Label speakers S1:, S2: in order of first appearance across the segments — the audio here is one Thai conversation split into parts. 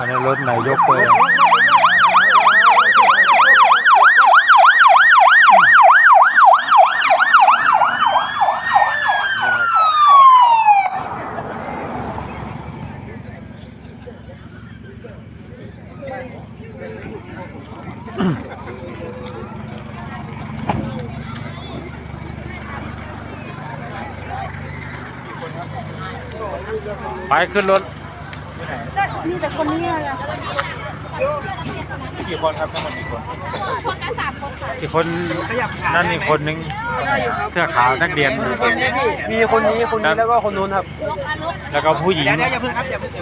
S1: นนี้รถนายกเลยไปขึ้นรถ
S2: นี่แต่คนนี้อะไร
S1: กี่คนครับทั้งหมดกี่คน
S2: คนกัน3 คนค่ะ
S1: กี่คนนั่นอีกคนนึงเสื้อขาวนักเรียน
S3: มีคนนี้แล้วก็คนนู้นครับ
S1: แล้วก็ผู้หญิง
S3: อย่าเพิ่งครับอย่าเพิ่ง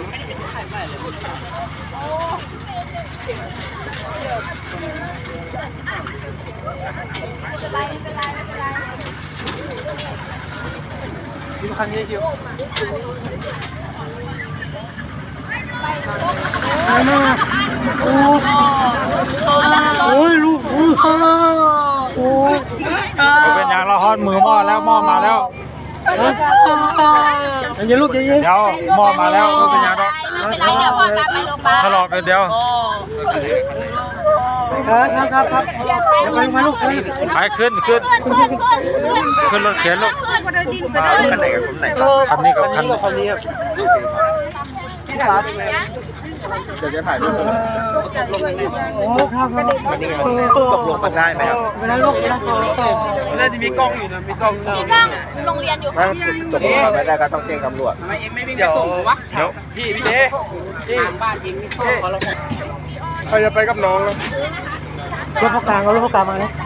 S2: ไม่เป็นไร
S3: คันนี้คิวโอ้ยลูกโอ้ย
S1: เป็นอย่างละฮอนมือหม้อแล้วหม้อมาแล้ว
S3: อย่าลูกอย่าเ
S1: ดี๋ยวหม้อมาแล้วเป็นอย่างละ
S2: ไม่เป็นไรเดี๋ยวพอกลับไปโรงพยาบาล
S1: ถลอกเดียว
S3: ครับอย่าไปมาลูก
S1: ไปขึ้นรถเข็นลูก
S3: คันไหนกับคนไหน
S1: คันนี้กับคัน
S3: นี้ครับที่ถามจะถ่ายรูปโอ้ครับวันนี้ตกลงกันได้ไหมครับไม่ได้ลูกน่าจะมีกล้องอยู่นะมีกล้อง
S2: โรงเรียนอยู่
S3: ตกลงกันไม่ได้ก็ต้องแจ้งตำรวจ
S2: ทำไมเอ็งไม่วิ่งไปส่งวะ
S1: เดี๋ยว
S3: พี่
S2: บ้านจริง
S3: ใครจะไปกับน้องนะรถพกกลางมาเลย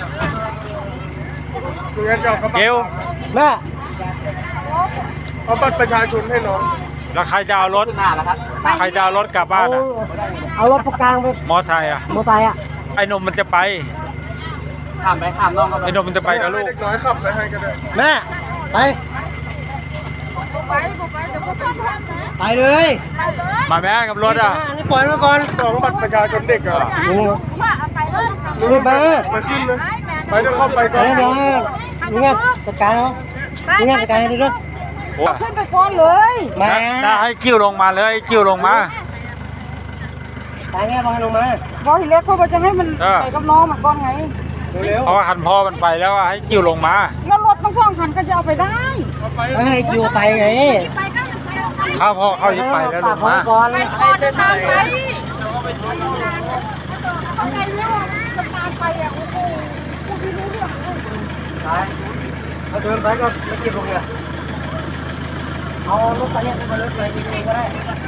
S1: เกล
S3: แม่เอาบัตรประชาชนให้น้อง
S1: แล้วใครจะเอารถใครจะเอารถกลับบ้าน
S3: เอารถพกกลางไป
S1: มอไซค์อ่ะไอ้นมมันจะไป
S3: ข้ามน้อง
S1: ไอ้นมมันจะไปกับลูก
S3: น้อยขับไปให้ก็ได้แม่ไปเลย
S1: มาแม่กับรถอ่ะ
S3: นี่ปล่อยมาก่อนของบัตรประชาชนเด็กอ่ะรีบมาขึ้นเลยไปเดี๋ยวเข้าไปก่อนนี่ไงจัดการเนาะนี่ไงจัดการให้ด้วย
S2: ขึ้นไปก่อนเลย
S1: มาถ้าให้กิ้วลงมาเลยกิ้วลงมา
S3: ตายแง่ลงมา
S2: บอทีเล็กเขาจะให้มันไปกับน้องมันก่อนไง
S1: เพราะว่าคันพ่อมันไปแล้วให้กิ้วลงมา
S2: แล้วรถทั้ง2 คันก็จะเอาไปได้
S3: ให้กิ้วไปไง
S1: ถ้าพ่อเข้ายึดไปแล้วลงมา
S2: ก่อนเดินทางไปเอาไงเนี่ยจะตามไปอ่ะโอ้โหพูดไม่รู้เรื่อง
S3: เอาเดินไปก็ไม่กินลงเลยเอารถไปเนี่ยไปรถไปกินเองก็ได้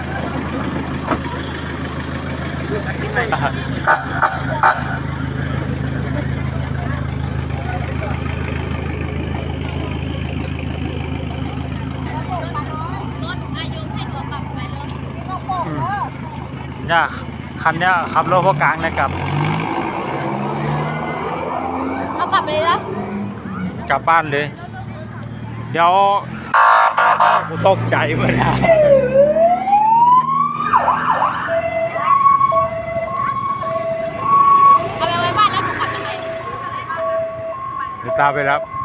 S1: เนี่ยคันเนี้ยขับรถพวกกลางเลยกลับ
S2: เอากลับเลยนะ
S1: กลับบ้านเลยเดี๋ยวกูตกใจเมื่อไหร่
S2: เอาไปไว้บ้านแล้วกลับยังไง
S1: เดี๋ยวตามไปรับ